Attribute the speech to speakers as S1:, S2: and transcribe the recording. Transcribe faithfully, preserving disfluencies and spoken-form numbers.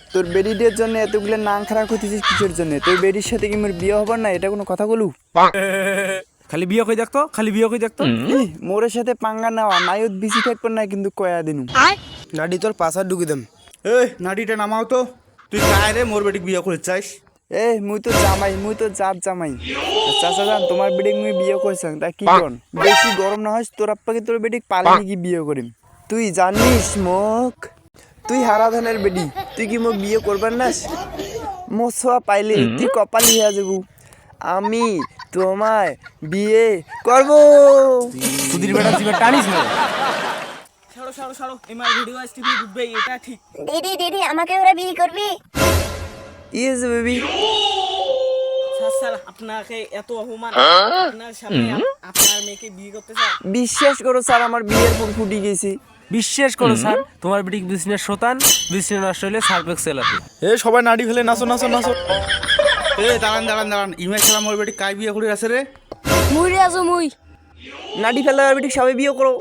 S1: তোর বেডিদের জন্য এতগুলো নাং খারাপ করতেছিস কিসের জন্য? তোর বেডির সাথে কি মোর বিয়ে হবার না? এটা কোনো কথা বলু?
S2: খালি বিয়ে কই দেখতো খালি বিয়ে কই দেখতো
S1: ই, মোরের সাথে পাঙ্গা নেওয়া নাইত বিসি থাকবো না কিন্তু কয়া দিনু।
S3: নাডি তোর পাশা ঢুকি দেম।
S4: এই নাটিটা নামাও তো। তুই কায় রে মোর বেটিক বিয়ে করে চাইস?
S1: এ মুই তো জামাই, মুই তো জাত জামাই। চাচা জান তোমার বেডিক মুই বিয়ে করছাম তা কি কন? বেশি গরম না হয় তোর আপ্পাকে তোর বেডিক পালে নাকি বিয়ে করিম। তুই জানিস মোক, তুই হারাধনের বেডি, তুই কি মোক বিয়ে করবার নাস? মোছোয়া পাইলে তুই কপালি হয়ে যাবো। আমি তোমায় বিয়ে করব।
S2: সুধীর বেটা জিবে টানিস না।
S5: ছাড়ো ছাড়ো ছাড়ো, এমআর ভিডিও আজ টিভি ঢুকবে, এটা ঠিক।
S6: দিদি দিদি আমাকে ওরা বিয়ে করবি?
S1: Yes baby.
S5: স্যার স্যার আপনাকে এত অপমান, আপনার সামনে আপ- আপনার মেয়েকে বিয়ে করতে চায়?
S1: বিশ্বাস করো স্যার আমার বিয়ের ফুল ফুটি গেছি।
S2: বিশ্বাস করো স্যার, তোমার বেটিক বিজনেস শতান, বিজনেস নষ্ট হলে সার্ফেক্স সেলাতে।
S4: এ সবাই নাড়ি ফেলে নাচো নাচো নাচো। এ দাঁড়ান দাঁড়ান দাঁড়ান, ইমাই খেলা মোর বেটিক কায় বিয়ে করে আছে রে?
S6: মুই রে আছো মুই।
S1: নাডি ফেলা বেটিক সবাই বিয়ে করো।